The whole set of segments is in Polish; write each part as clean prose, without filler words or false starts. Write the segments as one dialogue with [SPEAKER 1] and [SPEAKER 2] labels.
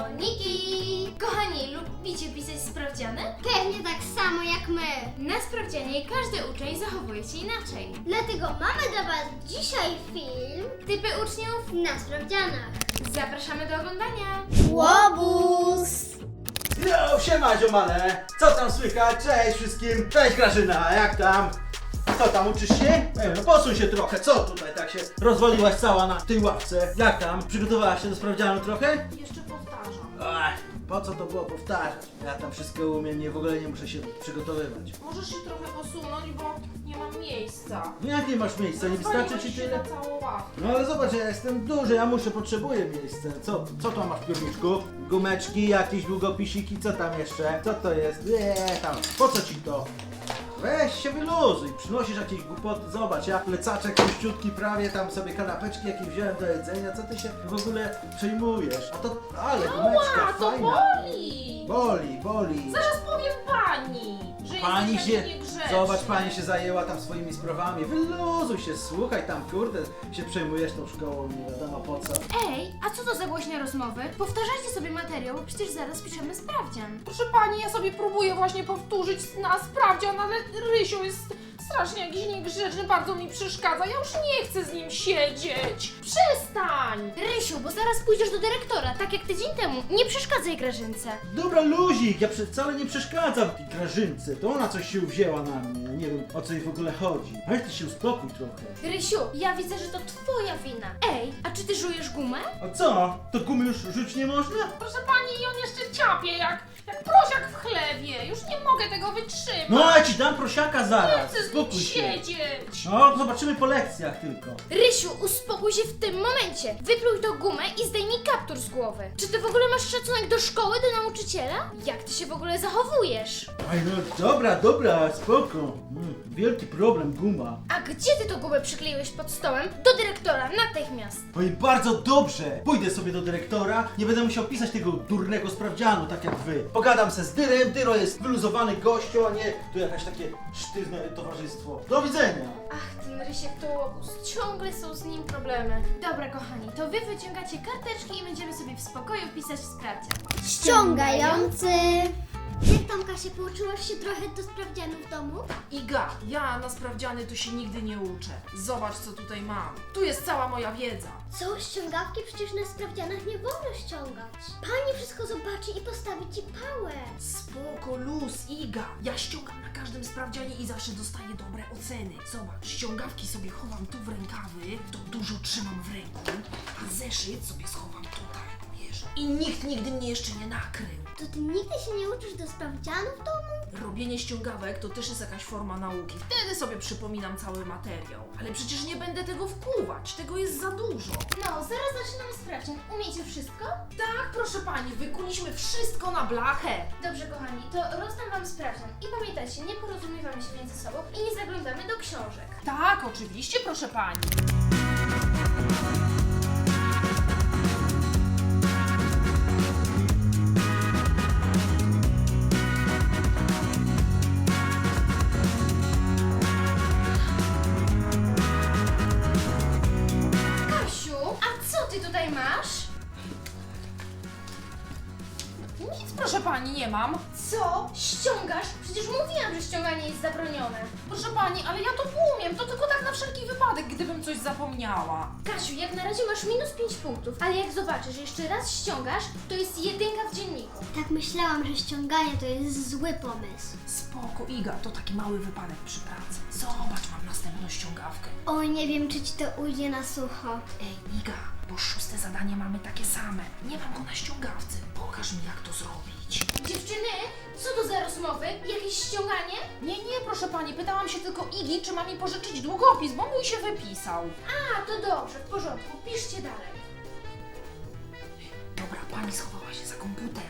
[SPEAKER 1] szkolniki! Kochani, lubicie pisać sprawdziany?
[SPEAKER 2] Pewnie tak samo jak my.
[SPEAKER 1] Na sprawdzianie każdy uczeń zachowuje się inaczej.
[SPEAKER 2] Dlatego mamy dla Was dzisiaj film
[SPEAKER 1] Typy uczniów?
[SPEAKER 2] na sprawdzianach.
[SPEAKER 1] Zapraszamy do oglądania!
[SPEAKER 2] Łobuz!
[SPEAKER 3] Yo, siema ziomale! Co tam słychać? Cześć wszystkim! Cześć Grażyna, jak tam? Co tam, uczysz się? No posuń się trochę, co tutaj tak się rozwaliłaś cała na tej ławce? Jak tam? Przygotowałaś się do sprawdzianu trochę?
[SPEAKER 1] Jeszcze powtarzam.
[SPEAKER 3] Ach, po co to było powtarzać? Ja tam wszystko umiem, w ogóle nie muszę się przygotowywać.
[SPEAKER 4] Możesz się trochę posunąć, bo nie mam miejsca.
[SPEAKER 3] No jak nie masz miejsca, nie wystarczy ci
[SPEAKER 4] Zwaliłeś się
[SPEAKER 3] tyle?
[SPEAKER 4] na całą ławkę.
[SPEAKER 3] No ale zobacz, ja jestem duży, ja potrzebuję miejsca. Co tam masz w piórniczku? Gumeczki, jakieś długopisiki, co tam jeszcze? Co to jest? Tam, po co ci to? Weź się wyluzuj, przynosisz jakieś głupoty, zobacz, ja plecaczek puściutki prawie, tam sobie kanapeczki jakieś wziąłem do jedzenia, co ty się w ogóle przejmujesz? A to, ale gumeczka,
[SPEAKER 4] A, to
[SPEAKER 3] fajna.
[SPEAKER 4] boli!
[SPEAKER 3] Boli.
[SPEAKER 4] Zaraz powiem pani, że
[SPEAKER 3] Pani
[SPEAKER 4] jesteś
[SPEAKER 3] się,
[SPEAKER 4] taki niegrzeczny.
[SPEAKER 3] zobacz, pani się zajęła tam swoimi sprawami, wyluzuj się, słuchaj tam, kurde, się przejmujesz tą szkołą, nie wiadomo po co.
[SPEAKER 1] Ej, a co to za głośne rozmowy? Powtarzajcie sobie materiał, przecież zaraz piszemy sprawdzian.
[SPEAKER 4] Proszę pani, ja sobie próbuję właśnie powtórzyć na sprawdzian, ale Rysiu jest strasznie jakiś niegrzeczny, bardzo mi przeszkadza. Ja już nie chcę z nim siedzieć. Przestań!
[SPEAKER 1] Rysiu, bo zaraz pójdziesz do dyrektora, tak jak tydzień temu. Nie przeszkadzaj Grażynce.
[SPEAKER 3] Dobra, luzik, ja wcale nie przeszkadzam tej Grażynce, to ona coś się uwzięła na mnie, nie wiem o co jej w ogóle chodzi. Ale ty się uspokój trochę.
[SPEAKER 1] Rysiu, ja widzę, że to twoja wina. Ej, a czy ty żujesz gumę?
[SPEAKER 3] A co? To gumy już rzuć nie można?
[SPEAKER 4] Proszę pani, i on jeszcze ciapie jak prosiak w chlewie. Już nie mogę tego wytrzymać.
[SPEAKER 3] No ja ci dam prosiaka
[SPEAKER 4] Nie
[SPEAKER 3] zaraz,
[SPEAKER 4] chcę z nim
[SPEAKER 3] spokój się.
[SPEAKER 4] siedzieć.
[SPEAKER 3] No, zobaczymy po lekcjach tylko.
[SPEAKER 1] Rysiu, uspokój się w tym momencie. Wypluj tą gumę i zdejmij kaptur z głowy. Czy ty w ogóle masz szacunek do szkoły, do nauczyciela? Jak ty się w ogóle zachowujesz?
[SPEAKER 3] Aj no, dobra, spoko. Wielki problem, guma.
[SPEAKER 1] A gdzie ty tą gumę przykleiłeś pod stołem? Do dyrektora, natychmiast.
[SPEAKER 3] Oj, bardzo dobrze. Pójdę sobie do dyrektora, nie będę musiał pisać tego durnego sprawdzianu, tak jak wy. Pogadam se z Dyrem, Dyro jest wyluzowany gościu, a nie tu jakaś takie sztywne towarzystwo. Do widzenia.
[SPEAKER 1] Ach, ten Rysiek to łobuz. Ciągle są z nim problemy. Dobra, kochani, to wy wyciągacie karteczki i będziemy sobie w spokoju pisać sprawdzian.
[SPEAKER 2] Ściągający. Jak tam, Kasia, pouczyłaś się trochę do sprawdzianu w domu?
[SPEAKER 4] Iga, ja na sprawdziany to się nigdy nie uczę. Zobacz, co tutaj mam. Tu jest cała moja wiedza.
[SPEAKER 2] Co? Ściągawki? Przecież na sprawdzianach nie wolno ściągać. Pani wszystko zobaczy i postawi Ci pałę.
[SPEAKER 4] Spoko, luz, Iga. Ja ściągam na każdym sprawdzianie i zawsze dostaję dobre oceny. Zobacz, ściągawki sobie chowam tu w rękawy, to dużo trzymam w ręku, a zeszyt sobie schowam tutaj, wiesz. I nikt nigdy mnie jeszcze nie nakrył.
[SPEAKER 2] To Ty nigdy się nie uczysz do sprawdzianu w domu?
[SPEAKER 4] Robienie ściągawek to też jest jakaś forma nauki. Wtedy sobie przypominam cały materiał. Ale przecież nie będę tego wkuwać, tego jest za dużo.
[SPEAKER 1] No, zaraz zaczynamy sprawdzian. Umiecie wszystko?
[SPEAKER 4] Tak, proszę pani, wykuliśmy wszystko na blachę.
[SPEAKER 1] Dobrze, kochani, to rozdam wam sprawdzian. I pamiętajcie, nie porozumiewamy się między sobą i nie zaglądamy do książek.
[SPEAKER 4] Tak, oczywiście, proszę pani.
[SPEAKER 1] Kasiu, a co ty tutaj masz?
[SPEAKER 4] Nic, proszę pani, nie mam.
[SPEAKER 1] Co? Ściągasz? Przecież mówiłam, że ściąganie jest zabronione.
[SPEAKER 4] Proszę pani, ale ja to umiem, to tylko tak na wszelki wypadek, gdybym coś zapomniała.
[SPEAKER 1] Kasiu, jak na razie masz minus 5 punktów, ale jak zobaczysz, że jeszcze raz ściągasz, to jest jedynka w dzienniku.
[SPEAKER 2] Tak myślałam, że ściąganie to jest zły pomysł.
[SPEAKER 4] Spoko, Iga, to taki mały wypadek przy pracy. Zobacz, mam następną ściągawkę.
[SPEAKER 2] Oj, nie wiem, czy Ci to ujdzie na sucho.
[SPEAKER 4] Ej, Iga, bo 6. zadanie mamy takie same. Nie mam go na ściągawce. Pokaż mi, jak to zrobić.
[SPEAKER 1] Dziewczyny, co to za rozmowy? Jakieś ściąganie?
[SPEAKER 4] Nie, proszę pani, pytałam się tylko Igi, czy ma mi pożyczyć długopis, bo mój się wypisał.
[SPEAKER 1] A, to dobrze, w porządku, piszcie dalej.
[SPEAKER 4] Dobra, pani schowała się za komputer.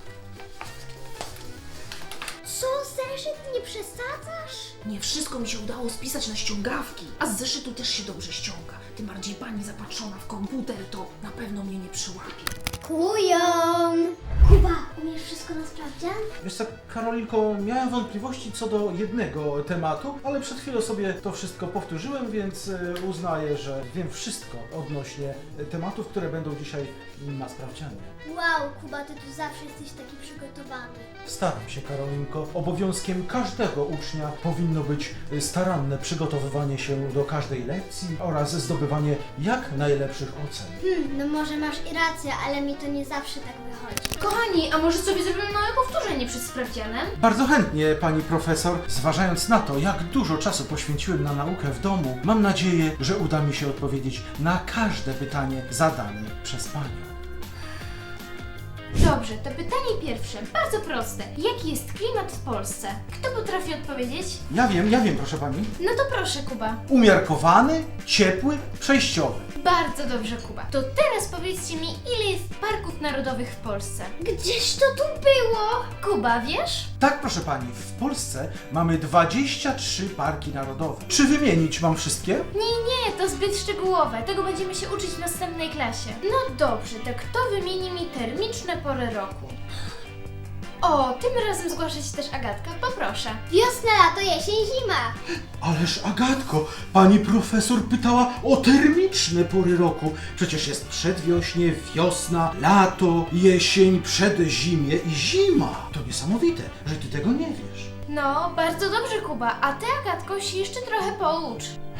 [SPEAKER 2] Co, zeszyt? Nie przesadzasz?
[SPEAKER 4] Nie wszystko mi się udało spisać na ściągawki, a z zeszytu też się dobrze ściąga. Tym bardziej pani zapatrzona w komputer, to na pewno mnie nie przyłapie.
[SPEAKER 2] Kujon! Kuba, umiesz wszystko na sprawdzian?
[SPEAKER 3] Wiesz co, Karolinko, miałem wątpliwości co do jednego tematu, ale przed chwilą sobie to wszystko powtórzyłem, więc uznaję, że wiem wszystko odnośnie tematów, które będą dzisiaj na sprawdzianie.
[SPEAKER 2] Wow, Kuba, ty tu zawsze jesteś taki przygotowany.
[SPEAKER 3] Staram się, Karolinko. Obowiązkiem każdego ucznia powinno być staranne przygotowywanie się do każdej lekcji oraz zdobywanie jak najlepszych ocen.
[SPEAKER 2] No może masz i rację, ale mi to nie zawsze tak wychodzi.
[SPEAKER 1] Kochani, a może sobie zrobimy małe powtórzenie przed sprawdzianem?
[SPEAKER 3] Bardzo chętnie, pani profesor. Zważając na to, jak dużo czasu poświęciłem na naukę w domu, mam nadzieję, że uda mi się odpowiedzieć na każde pytanie zadane przez panią.
[SPEAKER 1] Dobrze, to pytanie pierwsze, bardzo proste. Jaki jest klimat w Polsce? Kto potrafi odpowiedzieć?
[SPEAKER 3] Ja wiem, proszę pani.
[SPEAKER 1] No to proszę, Kuba.
[SPEAKER 3] Umiarkowany, ciepły, przejściowy.
[SPEAKER 1] Bardzo dobrze, Kuba. To teraz powiedzcie mi, ile jest parków narodowych w Polsce?
[SPEAKER 2] Gdzież to tu było?
[SPEAKER 1] Kuba, wiesz?
[SPEAKER 3] Tak, proszę pani, w Polsce mamy 23 parki narodowe. Czy wymienić mam wszystkie?
[SPEAKER 1] Nie, to zbyt szczegółowe. Tego będziemy się uczyć w następnej klasie. No dobrze, to kto wymieni mi termiczne pory roku? O, tym razem zgłasza się też Agatka, poproszę.
[SPEAKER 2] Wiosna, lato, jesień, zima.
[SPEAKER 3] Ależ Agatko, pani profesor pytała o termiczne pory roku. Przecież jest przedwiośnie, wiosna, lato, jesień, przedzimie i zima. To niesamowite, że ty tego nie wiesz.
[SPEAKER 1] No, bardzo dobrze, Kuba, a ty, Agatko, się jeszcze trochę poucz.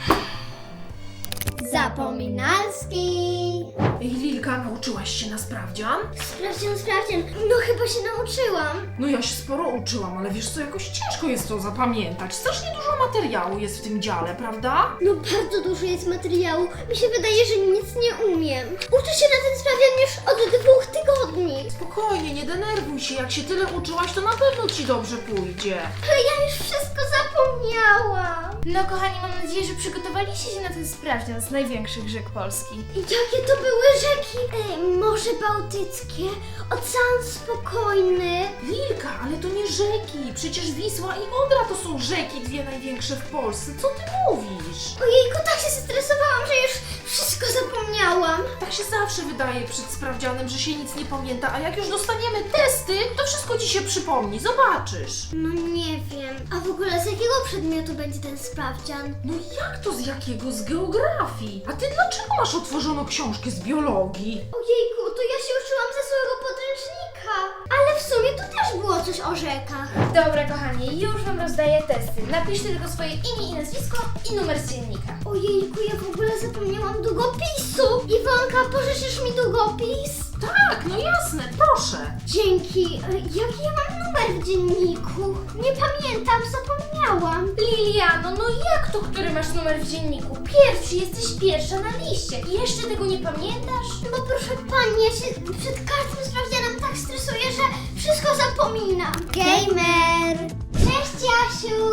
[SPEAKER 2] Zapominalski.
[SPEAKER 4] Ej, Lilka, nauczyłaś się na sprawdzian?
[SPEAKER 2] Sprawdzian. No chyba się nauczyłam.
[SPEAKER 4] No ja się sporo uczyłam, ale wiesz co, jakoś ciężko jest to zapamiętać. Strasznie dużo materiału jest w tym dziale, prawda?
[SPEAKER 2] No bardzo dużo jest materiału. Mi się wydaje, że nic nie umiem. Uczę się na ten sprawdzian już od 2 tygodni.
[SPEAKER 4] Spokojnie, nie denerwuj się. Jak się tyle uczyłaś, to na pewno ci dobrze pójdzie.
[SPEAKER 2] Ale ja już wszystko zapomniałam.
[SPEAKER 1] No, kochani, mam nadzieję, że przygotowaliście się na ten sprawdzian z największych rzek Polski.
[SPEAKER 2] I jakie to były rzeki? Morze Bałtyckie, Ocean Spokojny.
[SPEAKER 4] Lilka, ale to nie rzeki. Przecież Wisła i Odra to są rzeki, dwie największe w Polsce. Co ty mówisz?
[SPEAKER 2] Ojejku, tak się zestresowałam, że już wszystko zapomniałam.
[SPEAKER 4] Tak się zawsze wydaje przed sprawdzianem, że się nic nie pamięta, a jak już dostaniemy testy, to wszystko ci się przypomni. Zobaczysz.
[SPEAKER 2] No nie wiem. A w ogóle z jakiego przedmiotu będzie ten sprawdzian?
[SPEAKER 4] No jak to z jakiego? Z geografii. A ty dlaczego masz otworzoną książkę z biologii?
[SPEAKER 2] Ojejku, to ja się uczyłam ze swojego podręcznika. Ale w sumie tu też było coś o rzekach.
[SPEAKER 1] Dobra, kochani, już wam rozdaję testy. Napiszcie tylko swoje imię i nazwisko i numer z dziennika.
[SPEAKER 2] Ojejku, ja w ogóle zapomniałam długopisu. Iwonka, pożyczysz mi długopis?
[SPEAKER 4] Tak, no jasne, proszę.
[SPEAKER 2] Dzięki. Jaki ja mam numer w dzienniku? Nie pamiętam, zapomniałam.
[SPEAKER 1] Liliano, no jak to, który masz numer w dzienniku? Pierwszy, jesteś pierwsza na liście. I jeszcze tego nie pamiętasz?
[SPEAKER 2] No proszę pani, ja się przed każdym sprawdzianem tak stresuję, że wszystko zapominam. Gamer! Cześć, Jasiu!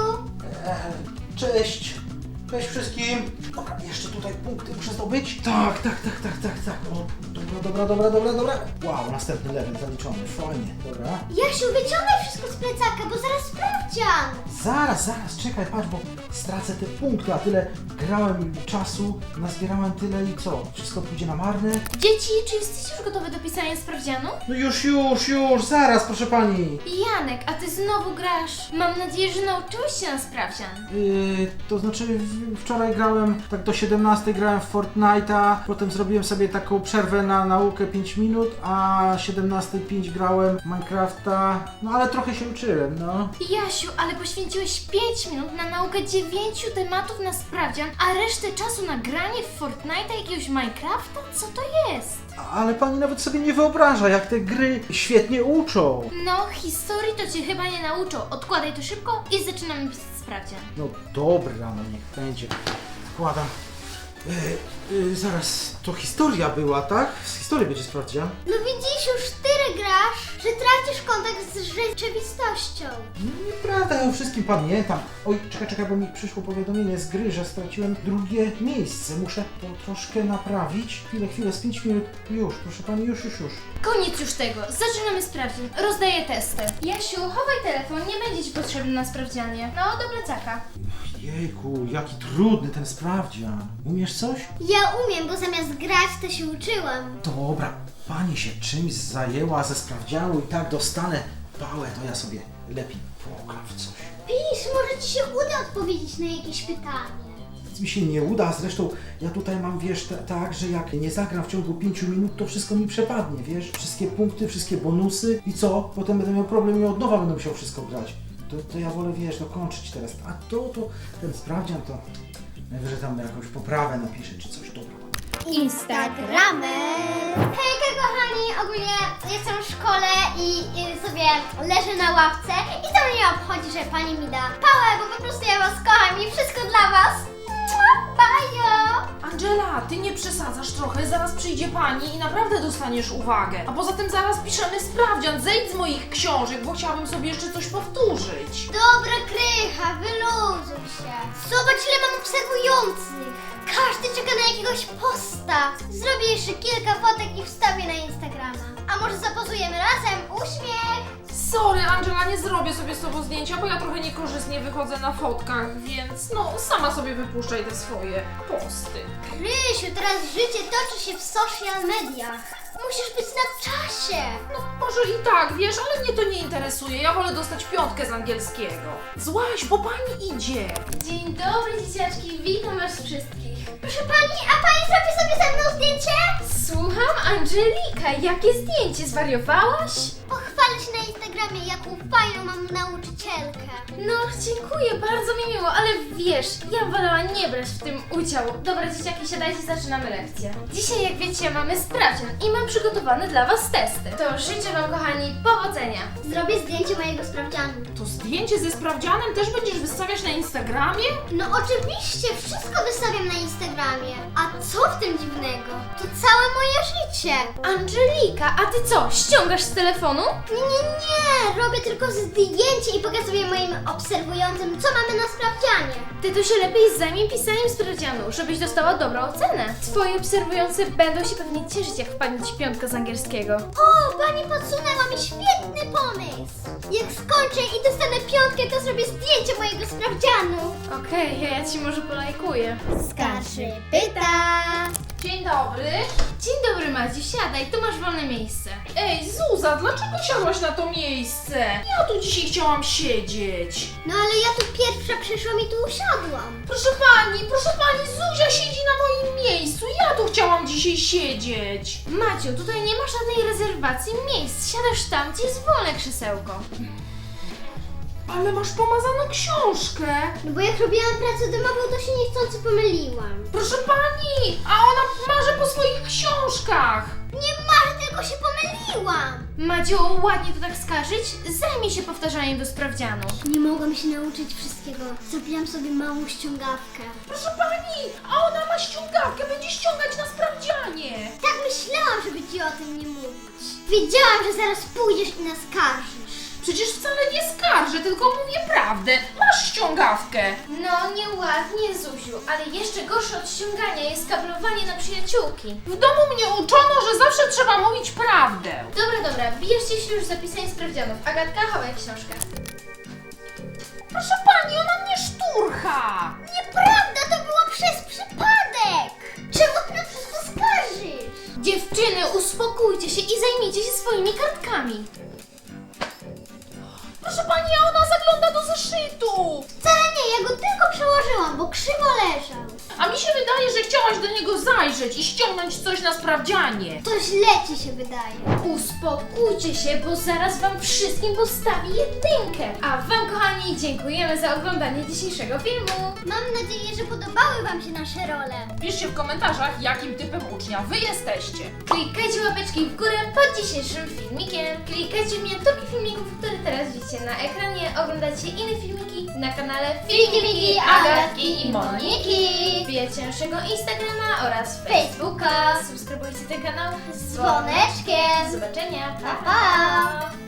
[SPEAKER 3] Cześć! Cześć wszystkim! Dobra, jeszcze tutaj punkty muszę zdobyć. Tak. O, dobra. Wow, następny level zaliczony, fajnie, dobra.
[SPEAKER 2] Jasiu, wyciągaj wszystko z plecaka, bo zaraz sprawdzian.
[SPEAKER 3] Zaraz, czekaj, patrz, bo stracę te punkty, a tyle grałem czasu, nazbierałem tyle i co? Wszystko pójdzie na marne?
[SPEAKER 1] Dzieci, czy jesteście już gotowe do pisania sprawdzianu?
[SPEAKER 3] No już, zaraz, proszę pani.
[SPEAKER 1] Janek, a ty znowu grasz. Mam nadzieję, że nauczyłeś się na sprawdzian.
[SPEAKER 3] To znaczy wczoraj grałem, tak do 17 grałem w Fortnite'a, potem zrobiłem sobie taką przerwę na naukę 5 minut, a 17:05 grałem w Minecrafta, no ale trochę się uczyłem, no.
[SPEAKER 1] Jasiu, ale poświęciłeś 5 minut na naukę 9 tematów na sprawdzian, a resztę czasu na granie w Fortnite'a jakiegoś Minecrafta? Co to jest?
[SPEAKER 3] Ale pani nawet sobie nie wyobraża, jak te gry świetnie uczą.
[SPEAKER 1] No, historii to cię chyba nie nauczą. Odkładaj to szybko i zaczynamy pisać sprawdzian.
[SPEAKER 3] No dobra, no niech będzie. Wkładam. Zaraz, to historia była, tak? Z historii będzie sprawdzian.
[SPEAKER 2] No widzisz, już tyle grasz, że tracisz kontakt z rzeczywistością.
[SPEAKER 3] No nieprawda, ja o wszystkim pamiętam. Oj, czekaj, bo mi przyszło powiadomienie z gry, że straciłem drugie miejsce. Muszę to troszkę naprawić. Chwilę, z 5 minut. Już, proszę pani, już.
[SPEAKER 1] Koniec już tego. Zaczynamy sprawdzian. Rozdaję testy. Jasiu, chowaj telefon, nie będzie ci potrzebny na sprawdzianie. No, do plecaka.
[SPEAKER 3] Jejku, jaki trudny ten sprawdzian. Umiesz coś?
[SPEAKER 2] Ja ja umiem, bo zamiast grać to się uczyłam.
[SPEAKER 3] Dobra, pani się czymś zajęła ze sprawdzianu i tak dostanę pałę, to ja sobie lepiej pogram w coś.
[SPEAKER 2] Pisz, może ci się uda odpowiedzieć na jakieś pytanie.
[SPEAKER 3] Nic mi się nie uda, zresztą ja tutaj mam, wiesz, tak, że jak nie zagram w ciągu 5 minut, to wszystko mi przepadnie, wiesz? Wszystkie punkty, wszystkie bonusy i co? Potem będę miał problem i od nowa będę musiał wszystko grać. To ja wolę, wiesz, kończyć teraz. A to ten sprawdzian to najwyżej tam jakąś poprawę napiszę czy coś, dobra.
[SPEAKER 2] Instagramer. Hejka kochani, ogólnie jestem w szkole i sobie leżę na ławce i to mnie obchodzi, że pani mi da pałę, bo po prostu ja was kocham i wszystko dla was. Bajo!
[SPEAKER 4] Angela, ty nie przesadzasz trochę, zaraz przyjdzie pani i naprawdę dostaniesz uwagę. A poza tym zaraz piszemy sprawdzian, zejdź z moich książek, bo chciałabym sobie jeszcze coś powtórzyć.
[SPEAKER 2] Dobra krycha, wyluzuj się. Zobacz ile mam obserwujących. Każdy czeka na jakiegoś posta. Zrobię jeszcze kilka fotek i wstawię na Instagrama. A może zapozujemy razem? Uśmiech!
[SPEAKER 4] Sorry, Angela, nie zrobię sobie z tobą zdjęcia, bo ja trochę niekorzystnie wychodzę na fotkach, więc no sama sobie wypuszczaj te swoje posty.
[SPEAKER 2] Krysiu, teraz życie toczy się w social mediach. Musisz być na czasie.
[SPEAKER 4] No może i tak, wiesz, ale mnie to nie interesuje, ja wolę dostać 5 z angielskiego. Złaś, bo pani idzie.
[SPEAKER 1] Dzień dobry, dzieciaczki, witam was wszystkich.
[SPEAKER 2] Proszę pani, a pani zrobi sobie ze mną zdjęcie?
[SPEAKER 1] Słucham, Angelika, jakie zdjęcie, zwariowałaś?
[SPEAKER 2] Pochwalę się na Instagramie, jaką fajną mam nauczycielkę.
[SPEAKER 1] No, dziękuję, bardzo mi miło, ale wiesz, ja wolała nie brać w tym udziału. Dobra, dzieciaki, siadajcie, zaczynamy lekcję. Dzisiaj, jak wiecie, mamy sprawdzian i mam przygotowane dla was testy. To życzę wam, kochani, powodzenia.
[SPEAKER 2] Zrobię zdjęcie mojego sprawdzianu.
[SPEAKER 4] To zdjęcie ze sprawdzianem też będziesz wystawiać na Instagramie?
[SPEAKER 2] No oczywiście, wszystko wystawiam na Instagramie. A co w tym dziwnego? To całe moje życie.
[SPEAKER 1] Angelika, a ty co, ściągasz z telefonu?
[SPEAKER 2] Nie, robię tylko zdjęcie i pokazuję moim obserwującym, co mamy na sprawdzianie.
[SPEAKER 1] Ty to się lepiej zajmij pisaniem sprawdzianu, żebyś dostała dobrą ocenę. Twoi obserwujący będą się pewnie cieszyć, jak wpadnie ci 5 z angielskiego.
[SPEAKER 2] O, pani podsunęła mi świetny pomysł. Jak skończę i dostanę 5, to zrobię zdjęcie mojego sprawdzianu.
[SPEAKER 1] Okej, ja ci może polajkuję.
[SPEAKER 2] Skarży pyta.
[SPEAKER 4] Dzień dobry.
[SPEAKER 1] Dzień dobry, Madziu, siadaj, tu masz wolne miejsce.
[SPEAKER 4] Ej, Zuza, dlaczego siadłaś na to miejsce? Ja tu dzisiaj chciałam siedzieć.
[SPEAKER 2] No ale ja tu pierwsza przyszłam i tu usiadłam.
[SPEAKER 4] Proszę pani, Zuzia siedzi na moim miejscu. Ja tu chciałam dzisiaj siedzieć.
[SPEAKER 1] Maciu, tutaj nie ma żadnej rezerwacji miejsc, siadasz tam, gdzie jest wolne krzesełko.
[SPEAKER 4] Ale masz pomazaną książkę.
[SPEAKER 2] No bo jak robiłam pracę domową, to się niechcący pomyliłam.
[SPEAKER 4] Proszę pani, a ona marzy po swoich książkach.
[SPEAKER 2] Nie marzę, tylko się pomyliłam.
[SPEAKER 1] Madziu, ładnie to tak skarżyć? Zajmij się powtarzaniem do sprawdzianu.
[SPEAKER 2] Nie mogłam się nauczyć wszystkiego. Zrobiłam sobie małą ściągawkę.
[SPEAKER 4] Proszę pani, a ona ma ściągawkę, będzie ściągać na sprawdzianie.
[SPEAKER 2] Tak myślałam, żeby ci o tym nie mówić. Wiedziałam, że zaraz pójdziesz i nas skarżysz.
[SPEAKER 4] Przecież wcale nie skarżę, tylko mówię prawdę. Masz ściągawkę.
[SPEAKER 1] No, nieładnie, Zuziu, ale jeszcze gorsze od ściągania jest kablowanie na przyjaciółki.
[SPEAKER 4] W domu mnie uczono, że zawsze trzeba mówić prawdę.
[SPEAKER 1] Dobra, bierzcie się już za pisanie sprawdzianów. Agatka, chowaj książkę.
[SPEAKER 4] Proszę pani, ona mnie szturcha.
[SPEAKER 2] Nieprawda, to było przez przypadek. Czemu ty na wszystko skarżysz?
[SPEAKER 1] Dziewczyny, uspokójcie się i zajmijcie się swoimi kartkami.
[SPEAKER 4] Proszę pani, a ona zagląda do zeszytu.
[SPEAKER 2] Wcale nie, ja go tylko przełożyłam, bo krzywo leżał.
[SPEAKER 4] A mi się wydaje, że chciałaś do niego zajrzeć i ściągnąć coś na sprawdzianie.
[SPEAKER 2] To źle ci się wydaje.
[SPEAKER 1] Uspokójcie się, bo zaraz wam wszystkim postawi 1. A wam, kochani, dziękujemy za oglądanie dzisiejszego filmu.
[SPEAKER 2] Mam nadzieję, że podobały wam się nasze role.
[SPEAKER 4] Piszcie w komentarzach, jakim typem ucznia wy jesteście.
[SPEAKER 1] Klikajcie łapeczki w górę pod dzisiejszym filmikiem. Klikajcie w miniaturki filmików, które teraz widzicie na ekranie. Oglądajcie inne filmiki na kanale Filmiki Miki, Agatki i Moniki. Wbijajcie naszego Instagrama oraz Facebooka. Subskrybujcie ten kanał z
[SPEAKER 2] Dzwoneczkiem.
[SPEAKER 1] Do zobaczenia.
[SPEAKER 2] Pa, pa.